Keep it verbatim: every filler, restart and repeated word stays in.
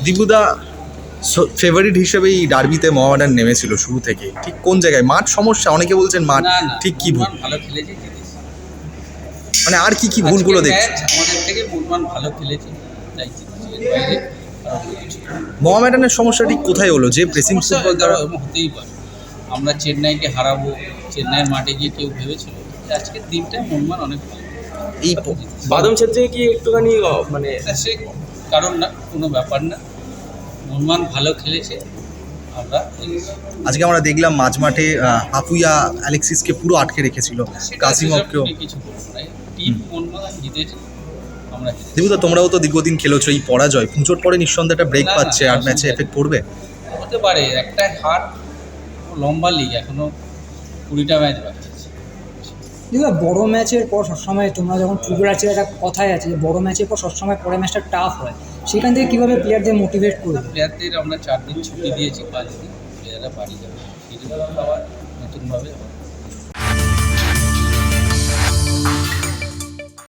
দীপুদা favourite হিসেবেই ডার্বিতে মোহামেডান নেমেছিল শুরু থেকে, ঠিক কোন জায়গায় মাঠ সমস্যা? অনেকে বলছেন মাঠ, না না ঠিক কি ভুল? মোহনবাগান ভালো খেলেছে, জিতেছে। মানে আর কি কি ভুলগুলো আজকের দেখছো? ম্যাচ আমাদের থেকে মোহনবাগান ভালো খেলেছে, তাই জিতেছে। এর বাইরে খারাপ কিছু না। মোহামেডানের সমস্যা ঠিক কোথায় হলো যে প্রেসিং সমস্যা ফুটবল তারা তারা? হতেই পারে। আমরা চেন্নাইকে হারাবো, চেন্নাইয়ের মাঠে গিয়ে কেউ ভেবেছিল? আজকের দিনটাই মোহনবাগান অনেক ভালো। এই বাদম ক্ষেত্রে কি একটুখানি অ, মানে তা সে কারণ না, কোনো ব্যাপার না। মোহনবাগান ভালো খেলেছে, আমরা হেরেছি। আজকে আমরা দেখলাম মাঝ মাঠে আপুইয়া অ্যালেক্সিসকে পুরো আটকে রেখেছিল, সেটা কাসিমভকেও। সেসব নিয়ে কিছু বলবো না। টিম মোহনবাগান জিতেছে, আমরা হেরেছি। দীপুদা তোমরাও তো দীর্ঘদিন খেলেছো, এই পরাজয় পুজোর পরে নিঃসন্দেহে একটা ব্রেক না, না, পাচ্ছে, আর ম্যাচে অসুবিধা এফেক্ট পড়বে? হতে পারে, একটা হার, লম্বা লিগ, এখনো কুড়িটা ম্যাচ বাকি আছে। দেখো বড় ম্যাচের পর সবসময় তোমরা যখন ফুটবল আছে একটা কথাই আছে যে বড় ম্যাচের পর সবসময় পরের ম্যাচটা টাফ হয়, সেখান থেকে কীভাবে প্লেয়ারদের মোটিভেট করবে? প্লেয়ারদের আমরা চার দিন ছুটি দিয়েছি, পাঁচ দিন প্লেয়াররা বাড়ি যাবে, ফিরে আবার নতুনভাবে হবে।